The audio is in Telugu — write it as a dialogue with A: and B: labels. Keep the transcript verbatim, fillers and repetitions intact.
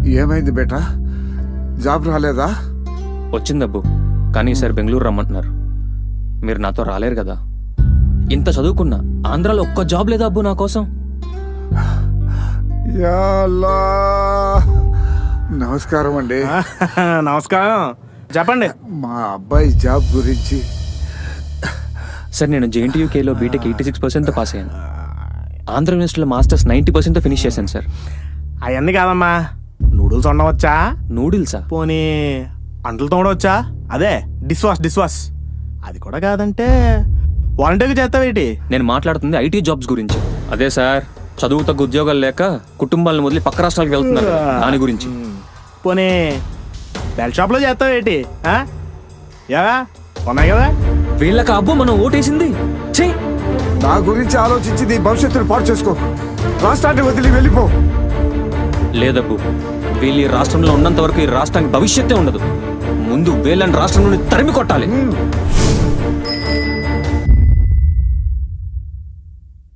A: ఏమైంది బేటా, జాబ్ రాలేదా?
B: వచ్చిందబ్బు, కానీ ఈసారి బెంగళూరు రమ్మంటున్నారు. మీరు నాతో రాలేరు కదా. ఇంత చదువుకున్నా ఆంధ్రాలో ఒక్క జాబ్ లేదా అబ్బు నా కోసం.
A: యా అల్లా. నమస్కారం అండి.
C: నమస్కారం, చెప్పండి.
A: మా అబ్బాయి జాబ్ గురించి.
B: సార్, నేను జేఎన్టీయూకేలో బీటెక్ ఎయిటీ సిక్స్ పర్సెంట్తో పాస్ అయ్యాను. ఆంధ్ర యూనివర్సిటీలో మాస్టర్స్ నైంటీ పర్సెంట్తో ఫినిష్ చేశాను సార్.
C: అవన్నీ కాదమ్మా, నూడిల్స్ వండవచ్చా?
B: నూడిల్సా?
C: పోనీ అంటలు తోడవచ్చా? అదే డిష్ వాష్ డిష్ వాష్ అది కూడా కాదంటే వాలంటీర్గా చేస్తావేటి?
B: నేను మాట్లాడుతుంది ఐటీ జాబ్స్ గురించి. అదే సార్, చదువు తగ్గ ఉద్యోగాలు లేక కుటుంబాలను వదిలి పక్క రాష్ట్రాలకు వెళ్తున్నారు కదా, దాని గురించి.
C: పోనీ బెల్ షాప్లో చేస్తావేటి? ఏవా ఉన్నాయి కదా.
B: వీళ్ళకి అబ్బు మనం ఓటేసింది. ఛీ!
A: నా గురించి ఆలోచించి నీ భవిష్యత్తును పాడు చేసుకో. రాష్ట్రాన్ని వదిలి వెళ్ళిపో.
B: లేదబ్బు, వీళ్ళు ఈ రాష్ట్రంలో ఉన్నంత వరకు ఈ రాష్ట్రానికి భవిష్యత్తే ఉండదు. ముందు వీళ్ళని రాష్ట్రం నుండి తరిమి కొట్టాలి.